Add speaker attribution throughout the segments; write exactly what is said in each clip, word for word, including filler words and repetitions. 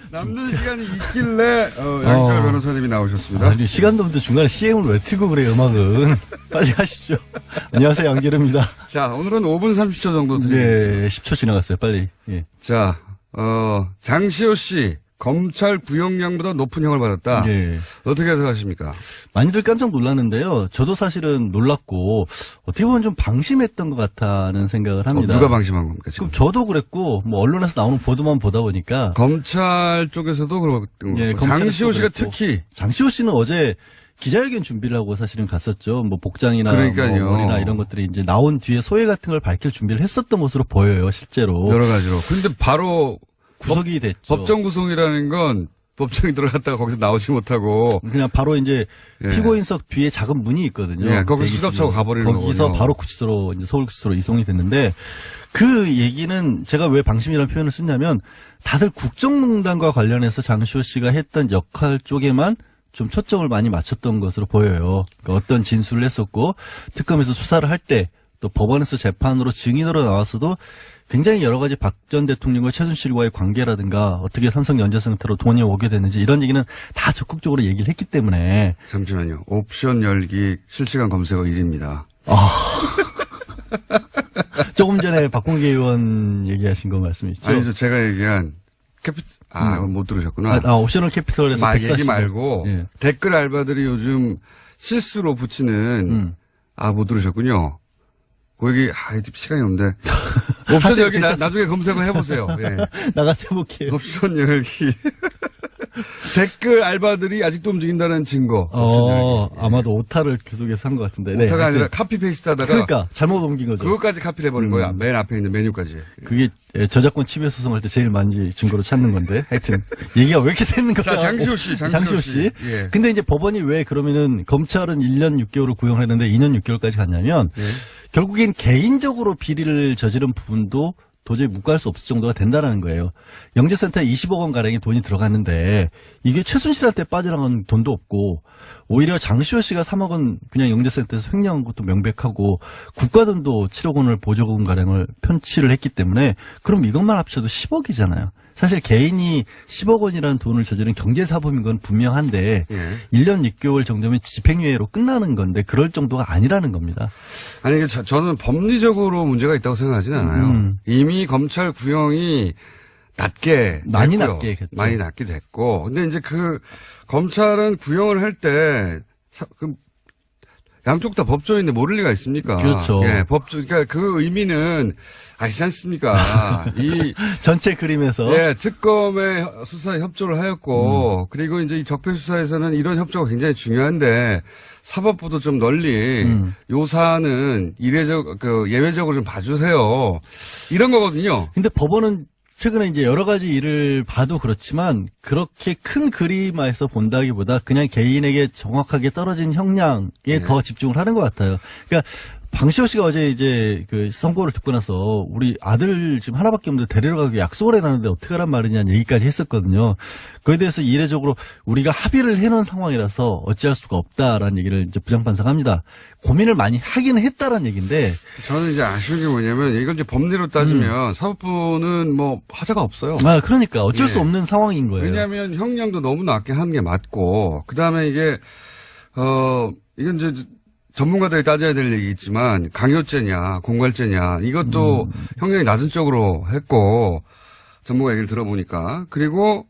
Speaker 1: 남는 시간이 있길래 어, 양철
Speaker 2: 어.
Speaker 1: 변호사님이 나오셨습니다.
Speaker 2: 아니, 시간도 없는데 중간에 씨엠을 왜 틀고 그래요, 음악은. 빨리 하시죠. 안녕하세요, 양재룡입니다.
Speaker 1: 자, 오늘은 오 분 삼십 초 정도 드립니다.
Speaker 2: 네, 십 초 지나갔어요, 빨리. 예.
Speaker 1: 자, 어, 장시호 씨, 검찰 구형량보다 높은 형을 받았다.
Speaker 2: 예.
Speaker 1: 어떻게 생각하십니까?
Speaker 2: 많이들 깜짝 놀랐는데요. 저도 사실은 놀랐고, 어떻게 보면 좀 방심했던 것 같다는 생각을 합니다.
Speaker 1: 어, 누가 방심한 겁니까, 지금?
Speaker 2: 그럼 저도 그랬고, 뭐, 언론에서 나오는 보도만 보다 보니까.
Speaker 1: 검찰 쪽에서도 그렇고,
Speaker 2: 예,
Speaker 1: 장시호 씨가
Speaker 2: 그랬고.
Speaker 1: 특히.
Speaker 2: 장시호 씨는 어제 기자회견 준비를 하고 사실은 갔었죠. 뭐, 복장이나
Speaker 1: 그러니까요.
Speaker 2: 뭐 머리나 이런 것들이 이제 나온 뒤에 소회 같은 걸 밝힐 준비를 했었던 것으로 보여요, 실제로.
Speaker 1: 여러 가지로. 근데 바로
Speaker 2: 구속이 됐죠.
Speaker 1: 법정 구속이라는 건 법정에 들어갔다가 거기서 나오지 못하고
Speaker 2: 그냥 바로 이제
Speaker 1: 예.
Speaker 2: 피고인석 뒤에 작은 문이 있거든요.
Speaker 1: 예, 거기서
Speaker 2: 대기실로.
Speaker 1: 수갑차고 가버리는
Speaker 2: 거기서
Speaker 1: 거군요.
Speaker 2: 바로 구치소로 이제 서울구치소로 이송이 됐는데 그 얘기는 제가 왜 방심이라는 표현을 쓰냐면 다들 국정농단과 관련해서 장시호 씨가 했던 역할 쪽에만 좀 초점을 많이 맞췄던 것으로 보여요. 그러니까 어떤 진술을 했었고 특검에서 수사를 할 때 또 법원에서 재판으로 증인으로 나와서도 굉장히 여러 가지 박 전 대통령과 최순실과의 관계라든가 어떻게 삼성 연재센터로 돈이 오게 됐는지 이런 얘기는 다 적극적으로 얘기를 했기 때문에.
Speaker 1: 잠시만요. 옵션 열기 실시간 검색어 일 위입니다.
Speaker 2: 아. 조금 전에 박범계 의원 얘기하신 거 말씀이시죠?
Speaker 1: 아니죠. 제가 얘기한 캐피 아,
Speaker 2: 음.
Speaker 1: 못 들으셨구나.
Speaker 2: 아, 아, 옵셔널 캐피털에서
Speaker 1: 말 얘기
Speaker 2: 백사십 억.
Speaker 1: 말고
Speaker 2: 예.
Speaker 1: 댓글 알바들이 요즘 실수로 붙이는
Speaker 2: 음.
Speaker 1: 아, 못 들으셨군요. 그 얘기 아, 시간이 없는데. 옵션 열기 나, 나중에 검색을 해보세요. 예.
Speaker 2: 나가서 해볼게요.
Speaker 1: 옵션 열기. 댓글 알바들이 아직도 움직인다는 증거.
Speaker 2: 어, 아마도 오타를 계속해서 한 것 같은데. 네,
Speaker 1: 오타가 아니라
Speaker 2: 하여튼.
Speaker 1: 카피 페이스트 하다가.
Speaker 2: 그러니까 잘못 옮긴 거죠.
Speaker 1: 그것까지 카피를 해버린
Speaker 2: 음.
Speaker 1: 거야. 맨 앞에 있는 메뉴까지.
Speaker 2: 그게 저작권 침해 소송할 때 제일 많이 증거로 찾는 건데. 하여튼 얘기가 왜 이렇게 되는 거야?
Speaker 1: 자, 장시호 씨, 장시호,
Speaker 2: 장시호 씨.
Speaker 1: 씨. 예.
Speaker 2: 근데 이제 법원이 왜 그러면은 검찰은 일 년 육 개월을 구형을 했는데 이 년 육 개월까지 갔냐면
Speaker 1: 예.
Speaker 2: 결국엔 개인적으로 비리를 저지른 부분도 도저히 묵과할 수 없을 정도가 된다는 거예요. 영재센터에 이십억 원 가량의 돈이 들어갔는데 이게 최순실한테 빠져나간 돈도 없고 오히려 장시호 씨가 삼억 원 그냥 영재센터에서 횡령한 것도 명백하고 국가 돈도 칠억 원을 보조금 가량을 편취를 했기 때문에 그럼 이것만 합쳐도 십억이잖아요. 사실 개인이 십억 원이라는 돈을 저지른 경제사범인 건 분명한데
Speaker 1: 예.
Speaker 2: 일 년 육 개월 정도면 집행유예로 끝나는 건데 그럴 정도가 아니라는 겁니다.
Speaker 1: 아니, 저, 저는 법리적으로 문제가 있다고 생각하지는 않아요.
Speaker 2: 음.
Speaker 1: 이미 검찰 구형이 낮게.
Speaker 2: 많이
Speaker 1: 됐고요.
Speaker 2: 낮게 했죠.
Speaker 1: 많이 낮게 됐고. 근데 이제 그, 검찰은 구형을 할 때, 사, 그, 양쪽 다 법조인데 모를 리가 있습니까?
Speaker 2: 그렇죠.
Speaker 1: 예, 법조, 그러니까 그 의미는 아시지 않습니까? 이,
Speaker 2: 전체 그림에서
Speaker 1: 예, 특검의 수사에 협조를 하였고,
Speaker 2: 음.
Speaker 1: 그리고 이제 이 적폐 수사에서는 이런 협조가 굉장히 중요한데, 사법부도 좀 널리,
Speaker 2: 음.
Speaker 1: 요 사안은 이례적, 그, 예외적으로 좀 봐주세요. 이런 거거든요.
Speaker 2: 근데 법원은 최근에 이제 여러 가지 일을 봐도 그렇지만 그렇게 큰 그림에서 본다기보다 그냥 개인에게 정확하게 떨어진 형량에
Speaker 1: 네.
Speaker 2: 더 집중을 하는 것 같아요. 그러니까 방시호 씨가 어제 이제 그 선고를 듣고 나서 우리 아들 지금 하나밖에 없는데 데리러 가기 약속을 해놨는데 어떻게 하란 말이냐는 얘기까지 했었거든요. 그에 대해서 이례적으로 우리가 합의를 해놓은 상황이라서 어찌할 수가 없다라는 얘기를 이제 부장판사가 합니다. 고민을 많이 하기는 했다라는 얘기인데
Speaker 1: 저는 이제 아쉬운 게 뭐냐면, 이걸 이제 법리로 따지면, 사법부는 뭐, 하자가 없어요.
Speaker 2: 아 그러니까 어쩔
Speaker 1: 예.
Speaker 2: 수 없는 상황인 거예요.
Speaker 1: 왜냐하면 형량도 너무 낮게 하는 게 맞고, 그 다음에 이게, 어, 이건 이제 전문가들이 따져야 될 얘기겠지만, 강요죄냐, 공갈죄냐, 이것도
Speaker 2: 음.
Speaker 1: 형량이 낮은 쪽으로 했고, 전문가 얘기를 들어보니까. 그리고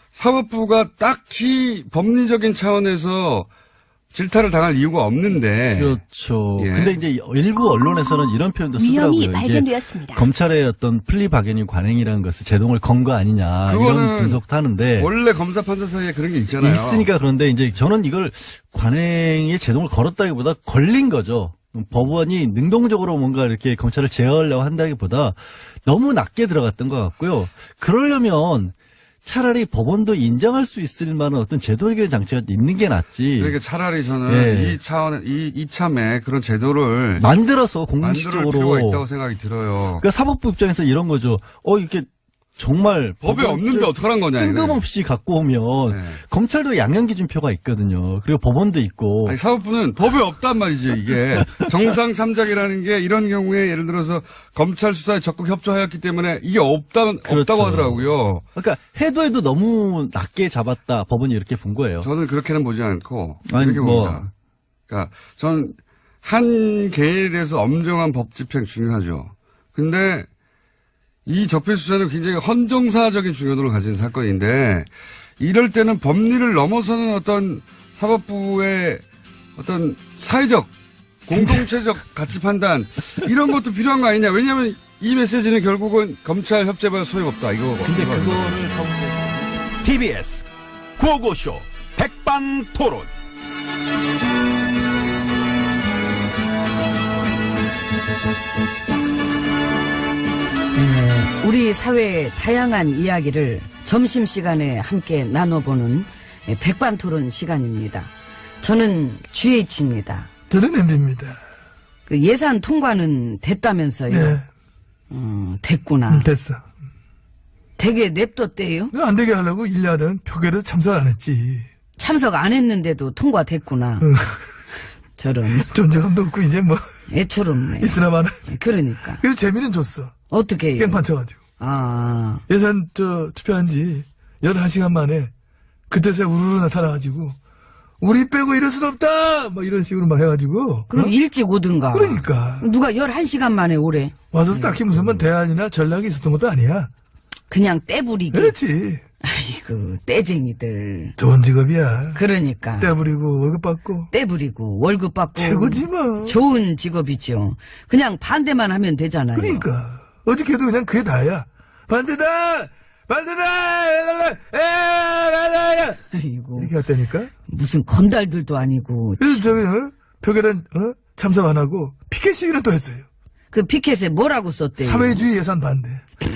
Speaker 1: 사법부가 딱히 법리적인 차원에서 질타를 당할 이유가 없는데.
Speaker 2: 그렇죠.
Speaker 1: 예.
Speaker 2: 근데 이제 일부 언론에서는 이런 표현도 쓰더라고요.
Speaker 3: 위험이
Speaker 2: 이게
Speaker 3: 발견되었습니다.
Speaker 2: 검찰의 어떤 플리바게닝 관행이라는 것을 제동을 건 거 아니냐
Speaker 1: 그거는
Speaker 2: 이런 분석도 하는데
Speaker 1: 원래 검사 판사 사이에 그런 게 있잖아요.
Speaker 2: 있으니까 그런데 이제 저는 이걸 관행에 제동을 걸었다기보다 걸린 거죠. 법원이 능동적으로 뭔가 이렇게 검찰을 제어하려고 한다기보다 너무 낮게 들어갔던 것 같고요. 그러려면 차라리 법원도 인정할 수 있을 만한 어떤 제도 해결 장치가 있는 게 낫지.
Speaker 1: 그러니까 차라리 저는
Speaker 2: 예.
Speaker 1: 이 차원, 이, 이참에 그런 제도를
Speaker 2: 만들어서
Speaker 1: 만들
Speaker 2: 공식적으로.
Speaker 1: 필요가 있다고 생각이 들어요.
Speaker 2: 그러니까 사법부 입장에서 이런 거죠. 어, 이렇게 정말
Speaker 1: 법에
Speaker 2: 법을
Speaker 1: 없는데
Speaker 2: 좀
Speaker 1: 어떡하란 거냐. 이거.
Speaker 2: 뜬금없이 갖고 오면
Speaker 1: 네.
Speaker 2: 검찰도 양형기준표가 있거든요. 그리고 법원도 있고.
Speaker 1: 아니, 사법부는 법에 없단 말이죠, 이게. 정상 참작이라는 게 이런 경우에 예를 들어서 검찰 수사에 적극 협조하였기 때문에 이게 없다,
Speaker 2: 그렇죠.
Speaker 1: 없다고 하더라고요.
Speaker 2: 그러니까 해도 해도 너무 낮게 잡았다. 법원이 이렇게 본 거예요.
Speaker 1: 저는 그렇게는 보지 않고
Speaker 2: 아니,
Speaker 1: 이렇게
Speaker 2: 뭐.
Speaker 1: 봅니다. 그러니까 저는 한 개에 대해서 엄정한 법 집행 중요하죠. 근데 이 적폐 수사는 굉장히 헌정사적인 중요도를 가진 사건인데 이럴 때는 법리를 넘어서는 어떤 사법부의 어떤 사회적 공동체적 가치 판단 이런 것도 필요한 거 아니냐. 왜냐하면 이 메시지는 결국은 검찰 협재발 소용없다 이거.
Speaker 2: 근데
Speaker 1: 이거.
Speaker 2: 그거를 사법부에서
Speaker 3: 티비에스 구호고쇼 백반토론.
Speaker 4: 우리 사회의 다양한 이야기를 점심시간에 함께 나눠보는 백반토론 시간입니다. 저는 지에이치입니다.
Speaker 5: 저는 엠비입니다.
Speaker 4: 그 예산 통과는 됐다면서요?
Speaker 5: 네,
Speaker 4: 음, 됐구나.
Speaker 5: 음, 됐어.
Speaker 4: 되게 냅뒀대요?
Speaker 5: 안 되게 하려고 일야당 표결에도 참석 안 했지.
Speaker 4: 참석 안 했는데도 통과됐구나.
Speaker 5: 응.
Speaker 4: 저런
Speaker 5: 존재감도 없고 이제 뭐
Speaker 4: 애처롭네.
Speaker 5: 있으나 마나.
Speaker 4: 그러니까
Speaker 5: 그래도 재미는 줬어.
Speaker 4: 어떻게 해요?
Speaker 5: 깽판 쳐가지고.
Speaker 4: 아,
Speaker 5: 예산 저 투표한 지 열한 시간 만에 그때서야 우르르 나타나가지고 우리 빼고 이럴 순 없다! 막 이런 식으로 막 해가지고.
Speaker 4: 그럼
Speaker 5: 어?
Speaker 4: 일찍 오든가.
Speaker 5: 그러니까.
Speaker 4: 누가 열한 시간 만에 오래.
Speaker 5: 와서 딱히 무슨 뭐 대안이나 전략이 있었던 것도 아니야.
Speaker 4: 그냥 떼부리기.
Speaker 5: 그렇지.
Speaker 4: 아이고, 떼쟁이들.
Speaker 5: 좋은 직업이야.
Speaker 4: 그러니까.
Speaker 5: 떼부리고 월급 받고.
Speaker 4: 떼부리고 월급 받고.
Speaker 5: 최고지 뭐.
Speaker 4: 좋은 직업이죠. 그냥 반대만 하면 되잖아요.
Speaker 5: 그러니까. 어저께도 그냥 그게 다야. 반대다! 반대다! 에라라라!
Speaker 4: 아이고,
Speaker 5: 이렇게 했다니까?
Speaker 4: 무슨 건달들도 아니고.
Speaker 5: 그래서 저기, 어? 표결은, 어? 참석 안 하고, 피켓 시위를 또 했어요.
Speaker 4: 그 피켓에 뭐라고 썼대요?
Speaker 5: 사회주의 예산 반대.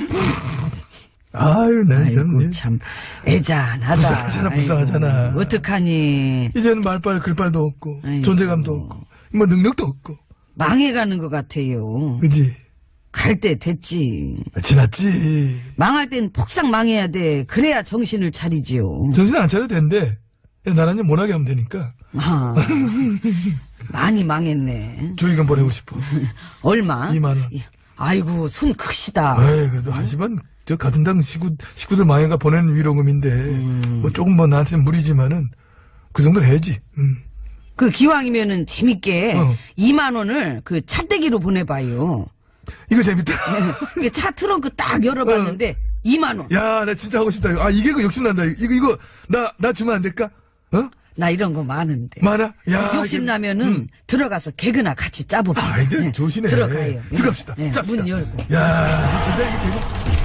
Speaker 5: 아유, 난
Speaker 4: 아이고,
Speaker 5: 좀.
Speaker 4: 참, 애잔하다.
Speaker 5: 불쌍하잖아, 불쌍하잖아.
Speaker 4: 아이고, 어떡하니.
Speaker 5: 이제는 말빨, 글빨도 없고,
Speaker 4: 아이고.
Speaker 5: 존재감도 없고, 뭐 능력도 없고.
Speaker 4: 망해가는 것 같아요.
Speaker 5: 그지?
Speaker 4: 갈 때 됐지.
Speaker 5: 지났지.
Speaker 4: 망할 땐 폭삭 망해야 돼. 그래야 정신을 차리지요.
Speaker 5: 정신 안 차려도 되는데, 나라는 못하게 하면 되니까.
Speaker 4: 아, 많이 망했네.
Speaker 5: 조의금 보내고 싶어.
Speaker 4: 얼마?
Speaker 5: 이만 원.
Speaker 4: 아이고, 손 크시다.
Speaker 5: 에이, 그래도 하지만, 저 같은 당 식구, 식구들 망해가 보내는 위로금인데,
Speaker 4: 음.
Speaker 5: 뭐 조금 뭐 나한테는 무리지만은, 그 정도는 해야지. 음.
Speaker 4: 그 기왕이면은 재밌게
Speaker 5: 어.
Speaker 4: 이만 원을 그 차떼기로 보내봐요.
Speaker 5: 이거 재밌다.
Speaker 4: 그 차 트렁크 딱 열어봤는데 이만 원.
Speaker 5: 야, 나 진짜 하고 싶다. 아, 이게 그 욕심난다. 이거, 이거, 나, 나 주면 안 될까? 어?
Speaker 4: 나 이런 거 많은데.
Speaker 5: 많아? 야.
Speaker 4: 욕심
Speaker 5: 이거-
Speaker 4: 나면은
Speaker 5: 음.
Speaker 4: 들어가서 개그나 같이 짜봅시다.
Speaker 5: 아이들
Speaker 4: 네,
Speaker 5: 조심해.
Speaker 4: 들어가요. 예.
Speaker 5: 들어갑시다.
Speaker 4: 예,
Speaker 5: 짭시다.
Speaker 4: 문 열고.
Speaker 5: 야, 진짜 이게 개그.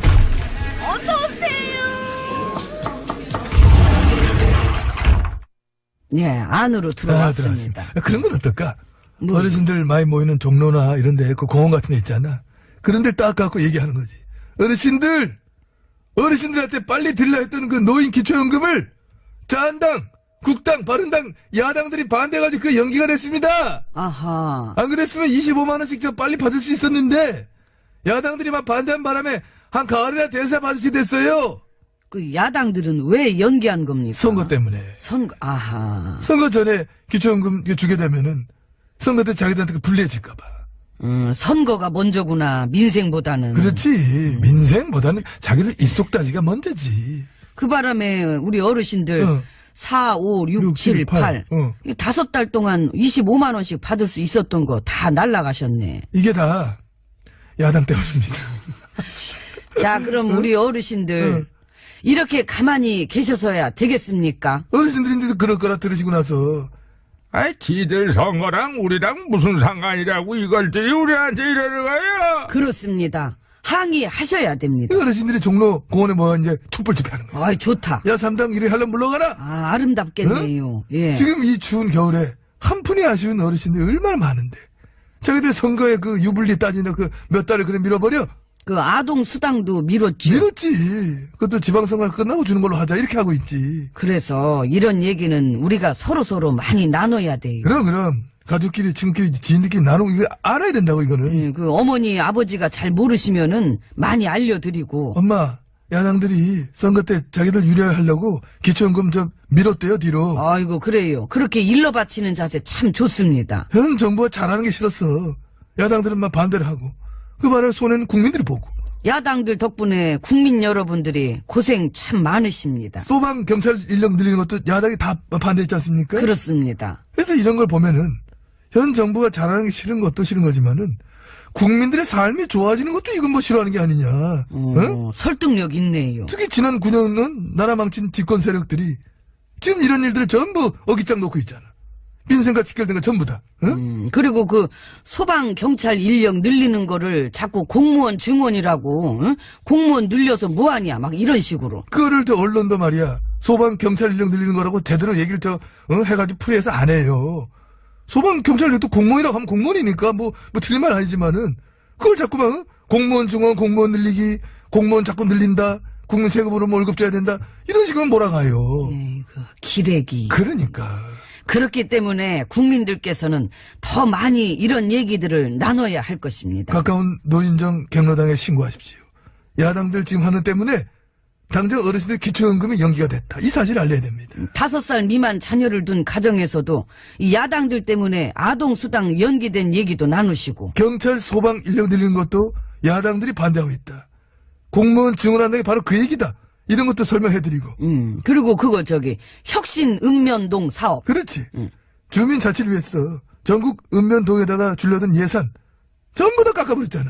Speaker 4: 예, 안으로
Speaker 5: 아,
Speaker 4: 들어왔습니다.
Speaker 5: 들어왔습니다. 그런 건 어떨까?
Speaker 4: 뭐?
Speaker 5: 어르신들 많이 모이는 종로나 이런 데, 그 공원 같은 데 있잖아. 그런 데를 딱 갖고 얘기하는 거지. 어르신들! 어르신들한테 빨리 들라 했던 그 노인 기초연금을 자한당, 국당, 바른당, 야당들이 반대해가지고 그 연기가 됐습니다!
Speaker 4: 아하.
Speaker 5: 안 그랬으면 이십오만 원씩 저 빨리 받을 수 있었는데, 야당들이 막 반대한 바람에 한 가을이나 대사 받으시 됐어요!
Speaker 4: 그 야당들은 왜 연기한 겁니까?
Speaker 5: 선거 때문에.
Speaker 4: 선거, 아하.
Speaker 5: 선거 전에 기초연금 주게 되면은, 선거 때 자기들한테 그 불리해질까봐.
Speaker 4: 음, 선거가 먼저구나, 민생보다는.
Speaker 5: 그렇지. 민생보다는 자기들 입속다지가 먼저지.
Speaker 4: 그 바람에 우리 어르신들
Speaker 5: 어.
Speaker 4: 사, 오, 육, 칠, 팔.
Speaker 5: 어.
Speaker 4: 이 다섯 달 동안 이십오만 원씩 받을 수 있었던 거 다 날라가셨네.
Speaker 5: 이게 다 야당 때문입니다.
Speaker 4: 자, 그럼 우리 어르신들
Speaker 5: 어.
Speaker 4: 이렇게 가만히 계셔서야 되겠습니까?
Speaker 5: 어르신들인데도 그럴 거라 들으시고 나서
Speaker 3: 아이, 지들 선거랑 우리랑 무슨 상관이라고 이걸 들이 우리한테 이러는 거야?
Speaker 4: 그렇습니다. 항의하셔야 됩니다.
Speaker 5: 이 어르신들이 종로 공원에 뭐 이제 촛불 집회하는 거야.
Speaker 4: 아이, 좋다.
Speaker 5: 야 삼당 이래 하려면 물러가라.
Speaker 4: 아, 아름답겠네요. 예.
Speaker 5: 지금 이 추운 겨울에 한 푼이 아쉬운 어르신들이 얼마나 많은데. 자기들 선거에 그 유불리 따지는 그 몇 달을 그래 밀어버려?
Speaker 4: 그 아동 수당도 미뤘죠.
Speaker 5: 밀었지. 그것도 지방선거 끝나고 주는 걸로 하자 이렇게 하고 있지.
Speaker 4: 그래서 이런 얘기는 우리가 서로서로 많이 나눠야 돼요.
Speaker 5: 그럼 그럼 가족끼리, 친구끼리, 지인들끼리 나누고, 이거 알아야 된다고, 이거는.
Speaker 4: 예, 그 어머니 아버지가 잘 모르시면은 많이 알려드리고.
Speaker 5: 엄마, 야당들이 선거 때 자기들 유리하려고 기초연금 좀 밀었대요, 뒤로.
Speaker 4: 아이고 그래요. 그렇게 일러 바치는 자세 참 좋습니다.
Speaker 5: 현 정부가 잘하는 게 싫었어. 야당들은 막 반대를 하고. 그 말을 손해는 국민들이 보고.
Speaker 4: 야당들 덕분에 국민 여러분들이 고생 참 많으십니다.
Speaker 5: 소방 경찰 인력 늘리는 것도 야당이 다 반대했지 않습니까?
Speaker 4: 그렇습니다.
Speaker 5: 그래서 이런 걸 보면은 현 정부가 잘하는 게 싫은 것도 싫은 거지만은 국민들의 삶이 좋아지는 것도 이건 뭐 싫어하는 게 아니냐.
Speaker 4: 어,
Speaker 5: 응?
Speaker 4: 설득력 있네요.
Speaker 5: 특히 지난 구 년은 나라 망친 집권 세력들이 지금 이런 일들을 전부 어깃장 놓고 있잖아. 민생과 직결된 거 전부 다. 응?
Speaker 4: 음, 그리고 그 소방 경찰 인력 늘리는 거를 자꾸 공무원 증원이라고 응? 공무원 늘려서 뭐하냐 막 이런 식으로.
Speaker 5: 그거를 저 언론도 말이야. 소방 경찰 인력 늘리는 거라고 제대로 얘기를 저 어, 해가지고 풀이해서 안 해요. 소방 경찰력도 공무원이라고 하면 공무원이니까 뭐, 뭐 틀린 말 아니지만은 그걸 자꾸만 어? 공무원 증원, 공무원 늘리기, 공무원 자꾸 늘린다, 국민 세금으로 뭐 월급 줘야 된다 이런 식으로 몰아가요.
Speaker 4: 에이그, 기레기.
Speaker 5: 그러니까
Speaker 4: 그렇기 때문에 국민들께서는 더 많이 이런 얘기들을 나눠야 할 것입니다.
Speaker 5: 가까운 노인정 경로당에 신고하십시오. 야당들 지금 하는 때문에 당장 어르신들 기초연금이 연기가 됐다. 이 사실을 알려야 됩니다.
Speaker 4: 다섯 살 미만 자녀를 둔 가정에서도 이 야당들 때문에 아동수당 연기된 얘기도 나누시고.
Speaker 5: 경찰 소방 인력 늘리는 것도 야당들이 반대하고 있다. 공무원 증원한다는 게 바로 그 얘기다. 이런 것도 설명해드리고.
Speaker 4: 음, 그리고 그거 저기 혁신 읍면동 사업.
Speaker 5: 그렇지. 주민 자치를 위해서 전국 읍면동에다가 줄려던 예산 전부 다 깎아버렸잖아.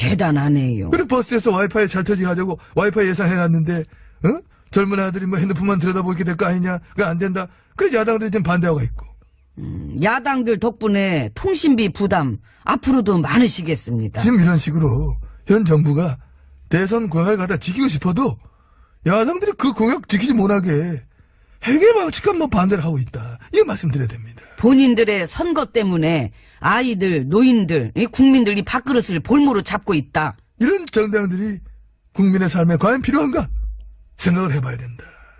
Speaker 4: 대단하네요.
Speaker 5: 그리고 버스에서 와이파이 잘 터지게 하자고 와이파이 예산 해놨는데 어? 젊은 아들이 뭐 핸드폰만 들여다보게 될 거 아니냐. 그거 안 된다. 그래서 야당들이 지금 반대하고 있고.
Speaker 4: 음, 야당들 덕분에 통신비 부담 앞으로도 많으시겠습니다.
Speaker 5: 지금 이런 식으로 현 정부가 대선 공약을 갖다 지키고 싶어도 야당들이 그 공약 지키지 못하게 해괴방식한 뭐 반대를 하고 있다. 이거 말씀드려야 됩니다.
Speaker 4: 본인들의 선거 때문에 아이들, 노인들, 이 국민들이 밥그릇을 볼모로 잡고 있다.
Speaker 5: 이런 정당들이 국민의 삶에 과연 필요한가 생각을 해봐야 된다.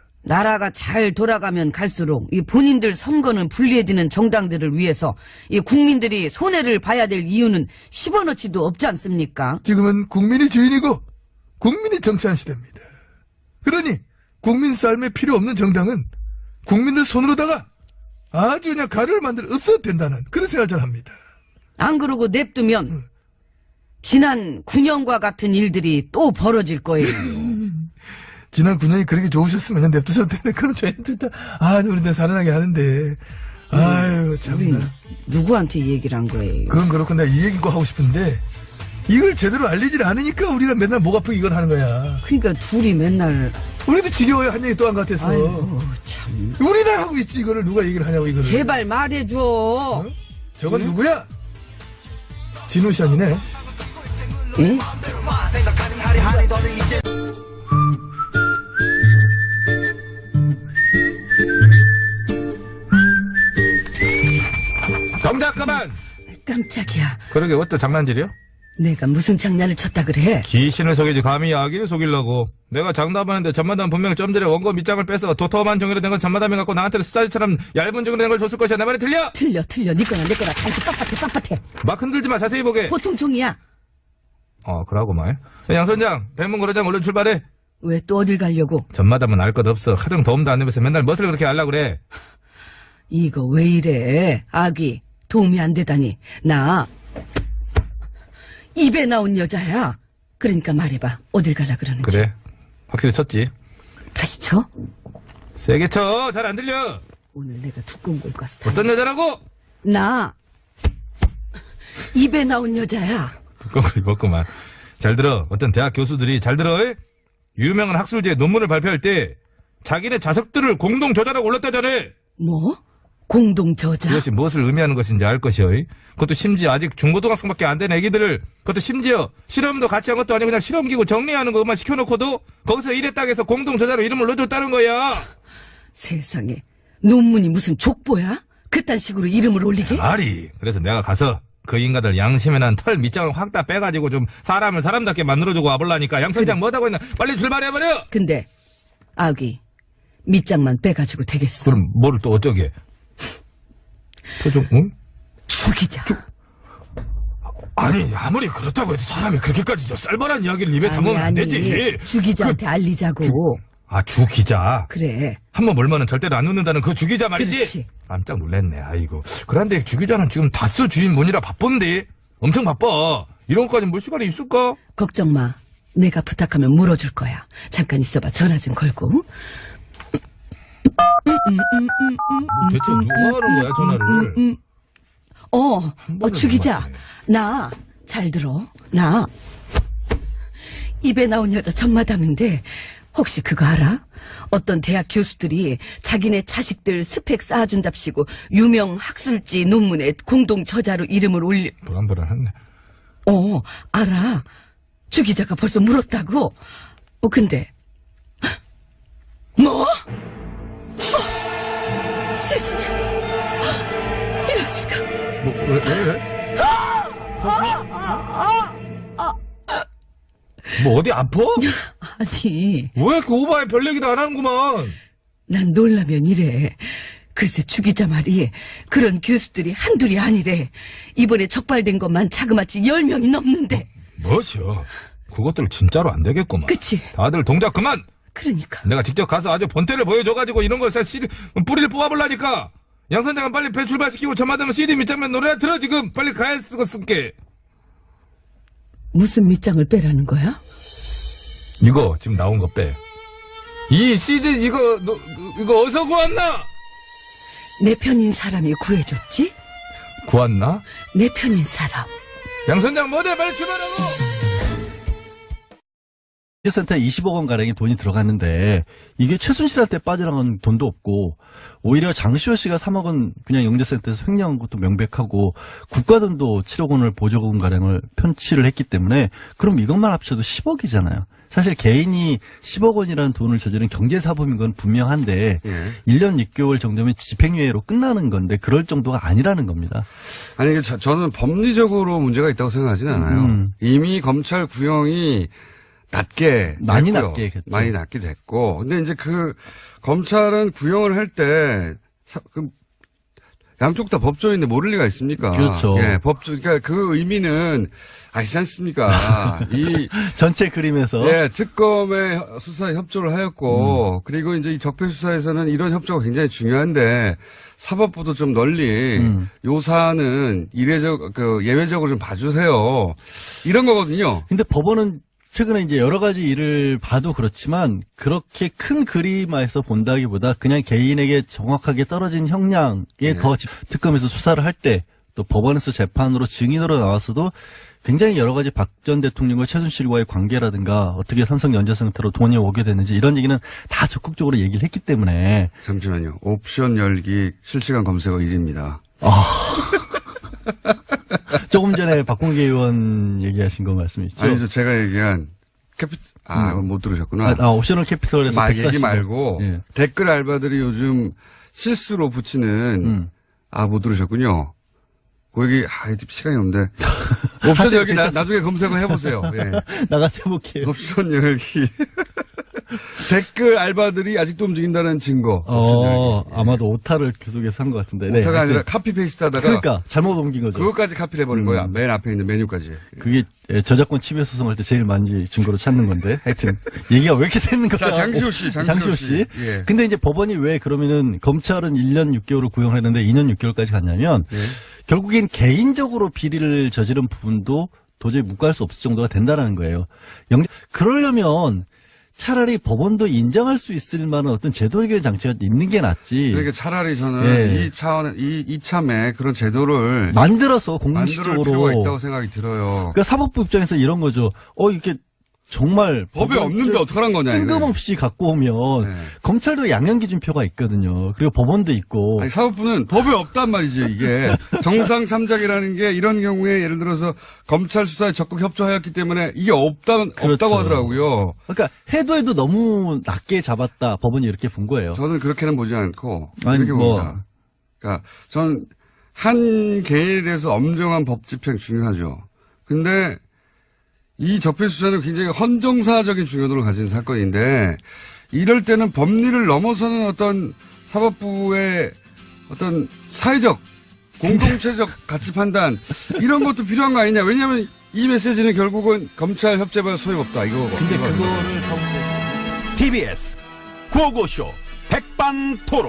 Speaker 4: 나라가 잘 돌아가면 갈수록 이 본인들 선거는 불리해지는 정당들을 위해서 이 국민들이 손해를 봐야 될 이유는 십원어치도 없지 않습니까?
Speaker 5: 지금은 국민이 주인이고 국민이 정치한 시대입니다. 그러니 국민 삶에 필요 없는 정당은 국민들 손으로다가 아주 그냥 가루를 만들어 없어도 된다는 그런 생각을 잘 합니다.
Speaker 4: 안 그러고 냅두면 지난 구 년과 같은 일들이 또 벌어질 거예요.
Speaker 5: 지난 구 년이 그렇게 좋으셨으면 그냥 냅두셔도 되는데 그럼 저희는 진짜 아 우리 살아나게 하는데 아유
Speaker 4: 우리
Speaker 5: 참나.
Speaker 4: 누구한테 얘기를 한 거예요?
Speaker 5: 그건 그렇고 내가 이 얘기 꼭 하고 싶은데 이걸 제대로 알리질 않으니까 우리가 맨날 목 아프게 이걸 하는 거야.
Speaker 4: 그러니까 둘이 맨날
Speaker 5: 우리도 지겨워요. 한 얘기 또 한 것 같아서.
Speaker 4: 아이고 참
Speaker 5: 우리나 하고 있지 이거를 누가 얘기를 하냐고 이거를.
Speaker 4: 제발 말해줘.
Speaker 5: 어? 저건 누구야? 진우 씨 아니네.
Speaker 4: 예?
Speaker 3: 정작 그만.
Speaker 4: 깜짝이야.
Speaker 3: 그러게 어떤 장난질이요?
Speaker 4: 내가 무슨 장난을 쳤다 그래?
Speaker 3: 귀신을 속이지 감히 아기를 속이려고. 내가 장담하는데 전마담 분명 좀 전에 원고 밑장을 빼서 도톰한 종이로 된 건 전마담이 갖고 나한테는 스타일처럼 얇은 종이로 된 걸 줬을 것이야. 내 말이 틀려?
Speaker 4: 틀려 틀려 네 거나 내 거나 다 이렇게 빳빳해 빳빳해.
Speaker 3: 막 흔들지 마. 자세히 보게.
Speaker 4: 보통 종이야.
Speaker 3: 어 그러고 말. 양 선장, 대문고려장 얼른 출발해.
Speaker 4: 왜 또 어딜 가려고?
Speaker 3: 전마담은 알 것 없어. 하등 도움도 안 되면서 맨날 멋을 그렇게 하려고 그래.
Speaker 4: 이거 왜 이래? 아기 도움이 안 되다니. 나 입에 나온 여자야. 그러니까 말해봐. 어딜 가려 그러는지.
Speaker 3: 그래. 확실히 쳤지.
Speaker 4: 다시 쳐?
Speaker 3: 세게 쳐. 잘 안 들려.
Speaker 4: 오늘 내가 두꺼운 거 입고 와서 다.
Speaker 3: 어떤 여자라고?
Speaker 4: 나 입에 나온 여자야.
Speaker 3: 두꺼운 거 입었구만. 잘 들어. 어떤 대학 교수들이 잘 들어. 에? 유명한 학술지에 논문을 발표할 때 자기네 자석들을 공동 저자라고 올렸다잖아.
Speaker 4: 뭐? 공동 저자?
Speaker 3: 이것이 무엇을 의미하는 것인지 알 것이요. 그것도 심지어 아직 중고등학생밖에 안 된 애기들을, 그것도 심지어 실험도 같이 한 것도 아니고 그냥 실험기구 정리하는 것만 시켜놓고도 거기서 이랬다 해서 공동 저자로 이름을 넣어줬다는 거야.
Speaker 4: 세상에 논문이 무슨 족보야? 그딴 식으로 이름을 올리게?
Speaker 3: 말이. 그래서 내가 가서 그 인간들 양심에 난 털 밑장을 확 다 빼가지고 좀 사람을 사람답게 만들어주고 와볼라니까. 양 선장 뭐하고 있나. 빨리 출발해버려.
Speaker 4: 근데 아기 밑장만 빼가지고 되겠어?
Speaker 3: 그럼 뭐를 또 어쩌게. 표정, 응?
Speaker 4: 죽이자.
Speaker 3: 아니 아무리 그렇다고 해도 사람이 그렇게까지 저 쌀벌한 이야기를 입에
Speaker 4: 아니,
Speaker 3: 담으면 안
Speaker 4: 아니,
Speaker 3: 되지.
Speaker 4: 주기자한테 알리자고.
Speaker 3: 아 주기자.
Speaker 4: 그래.
Speaker 3: 한 번 몰면은 절대로 안 웃는다는 그 주기자 말이지.
Speaker 4: 그렇지.
Speaker 3: 깜짝 놀랐네. 아이고. 그런데 주기자는 지금 다스 주인분이라 바쁜데. 엄청 바빠. 이런 것까지 볼 시간이 있을까?
Speaker 4: 걱정 마. 내가 부탁하면 물어줄 거야. 잠깐 있어봐. 전화 좀 걸고.
Speaker 3: 대체 누가 하는 거야 전화를?
Speaker 4: 음, 어, 어,
Speaker 3: 번에
Speaker 4: 주기자.
Speaker 3: 넘어가네.
Speaker 4: 나, 잘 들어. 나. 입에 나온 여자 전마담인데, 혹시 그거 알아? 어떤 대학 교수들이 자기네 자식들 스펙 쌓아준답시고, 유명 학술지 논문에 공동 저자로 이름을 올려,
Speaker 3: 불안불안하네.
Speaker 4: 어, 알아. 주기자가 벌써 물었다고? 어, 근데, 뭐? 어, 세상에. 이럴 수가.
Speaker 3: 뭐, 왜, 왜, 왜? 뭐 어디 아파?
Speaker 4: 아니,
Speaker 3: 왜 이렇게 오바에 별 얘기도 안 하는구만.
Speaker 4: 난 놀라면 이래. 글쎄 주기자 말이 그런 교수들이 한둘이 아니래. 이번에 적발된 것만 자그마치 열 명이 넘는데.
Speaker 3: 뭐죠? 그것들 진짜로 안 되겠구만.
Speaker 4: 그치?
Speaker 3: 다들 동작 그만!
Speaker 4: 그러니까.
Speaker 3: 내가 직접 가서 아주 본때를 보여줘가지고 이런 거 씨디, 뿌리를 뽑아볼라니까! 양 선장은 빨리 배 출발시키고 저마다면 씨디 밑장면 노래 들어 지금! 빨리 가야 쓰고 쓸게!
Speaker 4: 무슨 밑장을 빼라는 거야?
Speaker 3: 이거 지금 나온 거 빼. 이 씨디 이거 너, 이거 어디서 구웠나?
Speaker 4: 내 편인 사람이 구해줬지?
Speaker 3: 구웠나?
Speaker 4: 내 편인 사람.
Speaker 3: 양 선장 뭐래 빨리 출발하고!
Speaker 2: 센터에 이십억 원 가량의 돈이 들어갔는데 이게 최순실한테 빠져나간 돈도 없고 오히려 장시호 씨가 삼억 원 그냥 영재센터에서 횡령한 것도 명백하고 국가돈도 칠억 원을 보조금 가량을 편취를 했기 때문에 그럼 이것만 합쳐도 십억이잖아요. 사실 개인이 십억 원이라는 돈을 저지른 경제사범인 건 분명한데
Speaker 1: 예.
Speaker 2: 일 년 육 개월 정도면 집행유예로 끝나는 건데 그럴 정도가 아니라는 겁니다.
Speaker 1: 아니, 이게 저, 저는 법리적으로 문제가 있다고 생각하지는 않아요.
Speaker 2: 음.
Speaker 1: 이미 검찰 구형이 낮게
Speaker 2: 많이
Speaker 1: 됐고요.
Speaker 2: 낮게 됐죠.
Speaker 1: 많이 낮게 됐고. 근데 이제 그 검찰은 구형을 할 때 그 양쪽 다 법조인데 모를 리가 있습니까?
Speaker 2: 그렇죠.
Speaker 1: 예, 법조 그러니까 그 의미는 아시지 않습니까? 이
Speaker 2: 전체 그림에서
Speaker 1: 예, 특검의 수사에 협조를 하였고, 음. 그리고 이제 이 적폐 수사에서는 이런 협조가 굉장히 중요한데, 사법부도 좀 널리,
Speaker 2: 음.
Speaker 1: 요 사안은 이례적, 그, 예외적으로 좀 봐주세요. 이런 거거든요.
Speaker 2: 근데 법원은 최근에 이제 여러 가지 일을 봐도 그렇지만 그렇게 큰 그림에서 본다기보다 그냥 개인에게 정확하게 떨어진 형량에
Speaker 1: 네.
Speaker 2: 더 집- 특검에서 수사를 할 때 또 법원에서 재판으로 증인으로 나와서도 굉장히 여러 가지 박 전 대통령과 최순실과의 관계라든가 어떻게 삼성 연재센터로 돈이 오게 됐는지 이런 얘기는 다 적극적으로 얘기를 했기 때문에
Speaker 1: 잠시만요. 옵션 열기 실시간 검색어 일 위입니다.
Speaker 2: 조금 전에 박봉계 의원 얘기하신 거 말씀이시죠?
Speaker 1: 아니죠. 제가 얘기한 캐피, 아,
Speaker 2: 음.
Speaker 1: 못 들으셨구나.
Speaker 2: 아, 아, 옵셔널 캐피털에서
Speaker 1: 말 얘기
Speaker 2: 백사십 억.
Speaker 1: 말고,
Speaker 2: 예.
Speaker 1: 댓글 알바들이 요즘 실수로 붙이는,
Speaker 2: 음.
Speaker 1: 아, 못 들으셨군요. 그 얘기, 아, 시간이 없는데. 옵션
Speaker 2: 하세요,
Speaker 1: 열기 나,
Speaker 2: 괜찮습니다.
Speaker 1: 나중에 검색어 해보세요. 예.
Speaker 2: 나가서 해볼게요.
Speaker 1: 옵션 열기. 댓글 알바들이 아직도 움직인다는 증거. 옵션
Speaker 2: 어,
Speaker 1: 열기.
Speaker 2: 아마도 오타를 계속해서 한 것 같은데. 네,
Speaker 1: 오타가 아니라
Speaker 2: 하여튼
Speaker 1: 카피 페이스트 하다가.
Speaker 2: 그러니까 잘못 옮긴 거죠.
Speaker 1: 그것까지 카피를 해버린
Speaker 2: 음.
Speaker 1: 거야. 맨 앞에 있는 메뉴까지.
Speaker 2: 그게 예, 저작권 침해 소송할 때 제일 많이 증거로 찾는 건데. 하여튼 얘기가 왜 이렇게 새는 거야?
Speaker 1: 자, 장시호 씨, 장시호
Speaker 2: 장시호
Speaker 1: 씨.
Speaker 2: 씨.
Speaker 1: 예.
Speaker 2: 근데 이제 법원이 왜 그러면은 검찰은 일 년 육 개월을 구형을 했는데 이 년 육 개월까지 갔냐면
Speaker 1: 예.
Speaker 2: 결국엔 개인적으로 비리를 저지른 부분도 도저히 묵과할 수 없을 정도가 된다는 거예요. 영 그러려면 차라리 법원도 인정할 수 있을 만한 어떤 제도적인 장치가 있는 게 낫지.
Speaker 1: 그러니까 차라리 저는
Speaker 2: 예.
Speaker 1: 이 차원, 이, 이참에 그런 제도를
Speaker 2: 만들어서
Speaker 1: 만들
Speaker 2: 공식적으로.
Speaker 1: 필요가 있다고 생각이 들어요.
Speaker 2: 그러니까 사법부 입장에서 이런 거죠. 어, 이렇게 정말.
Speaker 1: 법에
Speaker 2: 법을
Speaker 1: 없는데 어떡하란 거냐. 이거.
Speaker 2: 뜬금없이 갖고 오면
Speaker 1: 네.
Speaker 2: 검찰도 양형기준표가 있거든요. 그리고 법원도 있고.
Speaker 1: 아니, 사법부는 법에 없단 말이지, 이게. 정상 참작이라는 게 이런 경우에 예를 들어서 검찰 수사에 적극 협조하였기 때문에 이게 없다,
Speaker 2: 그렇죠.
Speaker 1: 없다고 하더라고요.
Speaker 2: 그러니까 해도 해도 너무 낮게 잡았다. 법원이 이렇게 본 거예요.
Speaker 1: 저는 그렇게는 보지 않고
Speaker 2: 아니,
Speaker 1: 이렇게
Speaker 2: 뭐.
Speaker 1: 봅니다. 그러니까 전 한 개인에 대해서 엄정한 법 집행 중요하죠. 근데 이 적폐 수사는 굉장히 헌정사적인 중요도를 가진 사건인데 이럴 때는 법리를 넘어서는 어떤 사법부의 어떤 사회적 공동체적 가치 판단 이런 것도 필요한 거 아니냐. 왜냐하면 이 메시지는 결국은 검찰 협재발 소용없다 이거.
Speaker 2: 근데 그거를
Speaker 6: 티비에스 구호고쇼 백반토론.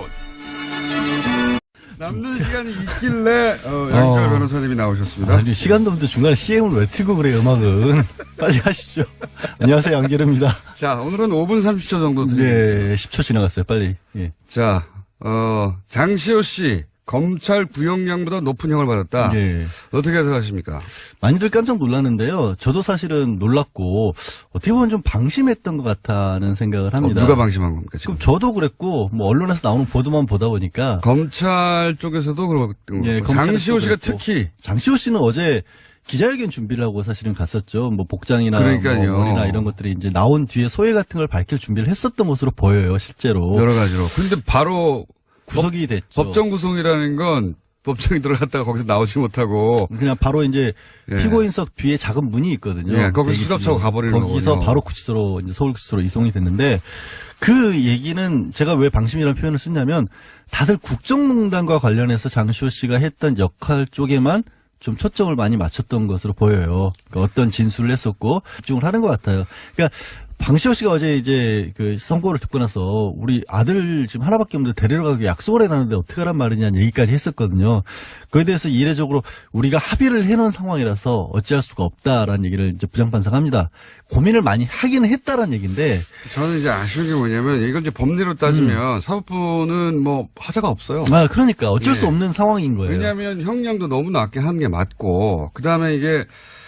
Speaker 1: 남는 시간이 있길래 어, 양철
Speaker 2: 어.
Speaker 1: 변호사님이 나오셨습니다.
Speaker 2: 아니, 시간도 없는데 중간에 씨엠을 왜 틀고 그래, 음악은. 빨리 하시죠. 안녕하세요, 양재르입니다.
Speaker 1: 자, 오늘은 오 분 삼십 초 정도 드립니다.
Speaker 2: 네, 십 초 지나갔어요, 빨리. 예.
Speaker 1: 자, 어, 장시호 씨 검찰 구형량보다 높은 형을 받았다.
Speaker 2: 예.
Speaker 1: 어떻게 생각하십니까?
Speaker 2: 많이들 깜짝 놀랐는데요. 저도 사실은 놀랐고, 어떻게 보면 좀 방심했던 것 같다는 생각을
Speaker 1: 어,
Speaker 2: 합니다.
Speaker 1: 누가 방심한 겁니까 지금?
Speaker 2: 그럼 저도 그랬고, 뭐, 언론에서 나오는 보도만 보다 보니까.
Speaker 1: 검찰 쪽에서도 그렇고
Speaker 2: 예,
Speaker 1: 장시호
Speaker 2: 검찰에서도
Speaker 1: 씨가
Speaker 2: 그랬고.
Speaker 1: 특히
Speaker 2: 장시호 씨는 어제 기자회견 준비를 하고 사실은 갔었죠. 뭐 복장이나
Speaker 1: 그러니까요.
Speaker 2: 뭐 머리나 이런 것들이 이제 나온 뒤에 소회 같은 걸 밝힐 준비를 했었던 것으로 보여요, 실제로.
Speaker 1: 여러 가지로. 근데 바로
Speaker 2: 구속이 됐죠.
Speaker 1: 법정 구속이라는 건 법정에 들어갔다가 거기서 나오지 못하고
Speaker 2: 그냥 바로 이제
Speaker 1: 예.
Speaker 2: 피고인석 뒤에 작은 문이 있거든요.
Speaker 1: 예, 거기서
Speaker 2: 대기실로.
Speaker 1: 수갑차고 가버리는
Speaker 2: 거기서
Speaker 1: 거군요.
Speaker 2: 바로 구치소로 이제 서울구치소로 이송이 됐는데 그 얘기는 제가 왜 방심이라는 표현을 쓰냐면 다들 국정농단과 관련해서 장시호 씨가 했던 역할 쪽에만 좀 초점을 많이 맞췄던 것으로 보여요. 그러니까 어떤 진술을 했었고 집중을 하는 것 같아요. 그러니까 방시호 씨가 어제 이제 그 선고를 듣고 나서 우리 아들 지금 하나밖에 없는데 데리러 가기 약속을 해놨는데 어떻게 하란 말이냐는 얘기까지 했었거든요. 그에 대해서 이례적으로 우리가 합의를 해놓은 상황이라서 어찌할 수가 없다라는 얘기를 이제 부장판사가 합니다. 고민을 많이 하기는 했다라는 얘기인데
Speaker 1: 저는 이제 아쉬운 게 뭐냐면 이걸 이제 법리로 따지면 사법부는 뭐 하자가 없어요.
Speaker 2: 아 그러니까 어쩔
Speaker 1: 예.
Speaker 2: 수 없는 상황인 거예요.
Speaker 1: 왜냐하면 형량도 너무 낮게 하는 게 맞고 그 다음에 이게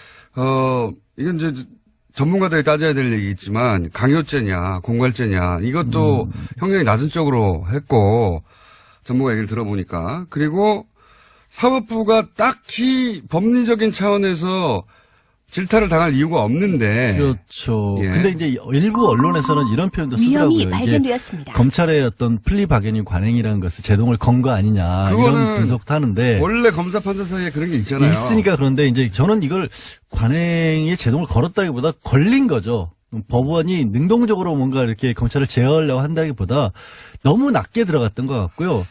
Speaker 1: 어 이건 이제 전문가들이 따져야 될 얘기겠지만 강요죄냐 공갈죄냐 이것도
Speaker 2: 음.
Speaker 1: 형량이 낮은 쪽으로 했고 전문가 얘기를 들어보니까 그리고 사법부가 딱히 법리적인 차원에서 질타를 당할 이유가 없는데
Speaker 2: 그렇죠.
Speaker 1: 예.
Speaker 2: 근데 이제 일부 언론에서는 이런 표현도
Speaker 7: 위험이
Speaker 2: 쓰더라고요. 이게
Speaker 7: 발견되었습니다.
Speaker 2: 검찰의 어떤 플리바게닝 관행이라는 것을 제동을 건 거 아니냐
Speaker 1: 그거는
Speaker 2: 이런 분석도 하는데
Speaker 1: 원래 검사 판사 사이에 그런 게 있잖아요.
Speaker 2: 있으니까 그런데 이제 저는 이걸 관행에 제동을 걸었다기보다 걸린 거죠. 법원이 능동적으로 뭔가 이렇게 검찰을 제어하려고 한다기보다 너무 낮게 들어갔던 것 같고요.